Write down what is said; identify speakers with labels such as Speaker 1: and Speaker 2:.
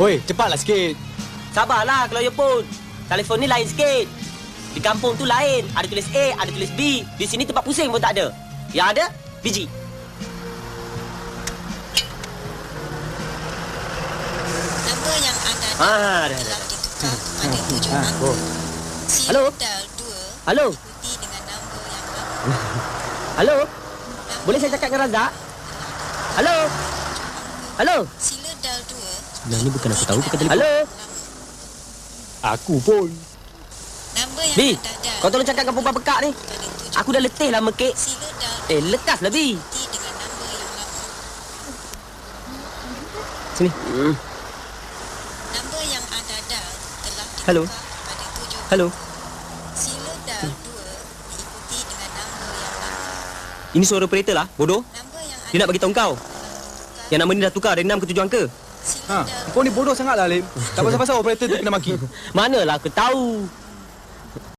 Speaker 1: Oi, cepatlah sikit.
Speaker 2: Sabarlah kalau ya pun. Telefon ni lain sikit. Di kampung tu lain. Ada tulis A, ada tulis B. Di sini tempat pusing pun tak ada. Yang ada, biji.
Speaker 3: Nombor yang anda
Speaker 2: Dah.
Speaker 3: telah ditukar pada 7 angka.
Speaker 2: Halo?
Speaker 3: Sila dial 2
Speaker 2: Halo?
Speaker 3: ikuti dengan nombor yang lama.
Speaker 2: Halo? Boleh saya cakap dengan Razak? Halo? Halo?
Speaker 3: Sila dial 2.
Speaker 2: Sebenarnya bukan aku tahu pakai telefon. Halo?
Speaker 1: Aku pun.
Speaker 3: Nombor yang
Speaker 2: Bi,
Speaker 3: anda dial
Speaker 2: kau tolong cakap dengan perempuan pekak ni.
Speaker 3: pada 7.
Speaker 2: Aku dah letih lah mekik.
Speaker 3: Sila dial
Speaker 2: Lekaslah, Bi.
Speaker 3: ikuti dengan nombor yang lama.
Speaker 2: Sini.
Speaker 3: Nombor yang anda dial telah ditukar
Speaker 2: Halo?
Speaker 3: pada 7.
Speaker 2: Halo?
Speaker 3: Sila dial 2 diikuti dengan nombor yang lama.
Speaker 2: Ini suara operator lah, bodoh.
Speaker 3: Nombor yang
Speaker 2: Dia nak bagi tahu kau. Yang nama ni dah tukar dari 6 ke 7 angka.
Speaker 3: Sila
Speaker 1: Ha, kau ni bodoh sangatlah, Lim. Tak pasal-pasal operator tu kena maki.
Speaker 2: Manalah aku tahu.